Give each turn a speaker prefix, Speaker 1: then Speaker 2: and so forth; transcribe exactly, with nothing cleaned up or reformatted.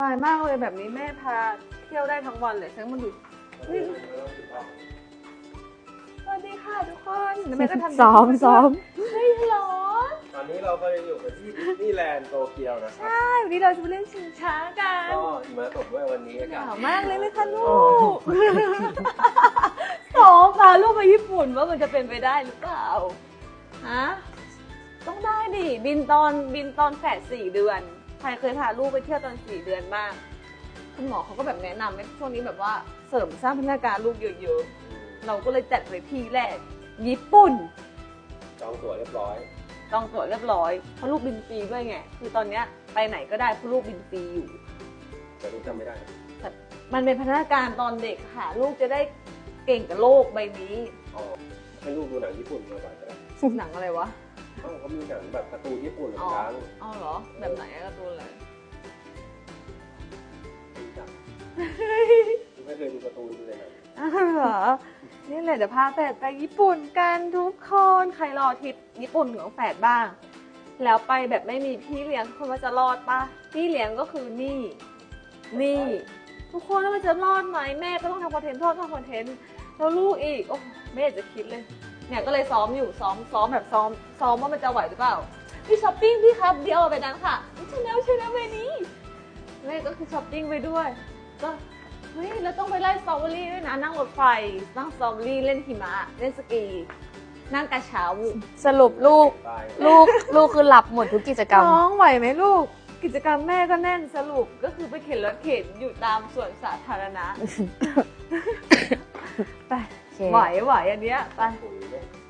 Speaker 1: สบายมากเลยแบบนี้แม่พาเที่ยวได้ทั้งวันเลยฉันมาดูนี่สวัสดีค่ะทุกคนแม่ก็ทำ
Speaker 2: ซ้อมซ้อม
Speaker 1: เฮ้ยฮัลโหล
Speaker 3: ตอนนี้เราก็ยังอยู่กันที่ดิสนีย์แลนด์โตเกียวนะครับ
Speaker 1: ใช่วันนี้เราจะไปเล่นชิงช้ากัน
Speaker 3: ก็หิมะตกด้วยวันนี้อา
Speaker 1: ห
Speaker 3: กาศ
Speaker 1: นาวมากเลยไหมคะลูกสองพาลูกไปญี่ปุ่นว่ามันจะเป็นไปได้หรือเปล่าฮะต้องได้ดิบินตอนบินตอนแฝดสี่เดือนใครเคยพาลูกไปเที่ยวตอนสี่เดือนบ้างคุณหมอเขาก็แบบแนะนำให้ช่วงนี้แบบว่าเสริมสร้างพัฒนาการลูกเยอะๆเราก็เลยจัดไปที่แรกญี่ปุ่น
Speaker 3: จองตั๋วเรียบร้อย
Speaker 1: จองตั๋วเรียบร้อยเพราะลูกบินฟรีด้วยไงคือตอนเนี้ยไปไหนก็ได้เพราะลูกบินฟรีอยู่
Speaker 3: แต่รู้จำไม่ได้
Speaker 1: แต่มันเป็นพัฒนาการตอนเด็กค่ะ ลูกจะได้เก่งกับโลกใบนี้
Speaker 3: อ๋อให้ลูกดูหนังญี่ปุ่นมาบ่อยก็ได้
Speaker 1: หนังอะไรวะ
Speaker 3: เอ้าเขามีหนังแบบการ์ตูนญี่ปุ่นเหมือ
Speaker 1: อ๋
Speaker 3: น
Speaker 1: อ
Speaker 3: กัน
Speaker 1: อ๋อเหรอแบบไหนอะการ์ตูนอะไร
Speaker 3: รู้จักไม่เคยดูการ์ตูนเลยนะ
Speaker 1: อ้าวเหรอนี่แหละเดี๋ยวพาแฝดไปญี่ปุ่นกันทุกคนใครรอทริปญี่ปุ่นของแฝดบ้าง แล้วไปแบบไม่มีพี่เลี้ยงทุกคนว่าจะรอดปะพี่เลี้ยงก็คือนี่ นี่ ทุกคนแล้วมันจะรอดไหมแม่ก็ต้องทำคอนเทนต์พ่อต้องทำคอนเทนต์แล้วลูกอีกโอ้ไม่อยากจะคิดเลยเนี่ยก็เลยซ้อมอยู่ซ้อมซ้อมแบบซ้อมซ้อมว่ามันจะไหวหรือเปล่าพี่ช้อปปิ้งพี่ครับเดี๋ยวเอาไปนั้นค่ะชแนลชแนลเวนี้แม่ก็คือช้อปปิ้งไปด้วยก็เฮ้ยแล้วต้องไปไล่สตรอเบอรี่ด้วยนะนั่งรถไฟนั่งสตรอเบอรี่เล่นหิมะเล่นสกีนั่งกระเช้า
Speaker 2: สรุปลูก
Speaker 3: ตาย
Speaker 2: ลูกลูกคือหลับหมดทุกกิจกรรม
Speaker 1: น้องไหวไหมลูก กิจกรรมแม่ก็แน่นสรุปก็คือไปเข็นรถเข็นอยู่ตามสวนสาธารณะ ไป
Speaker 2: โอเค
Speaker 1: ไหวไหวอันเนี้ยไป
Speaker 3: ปุ๋ยไหม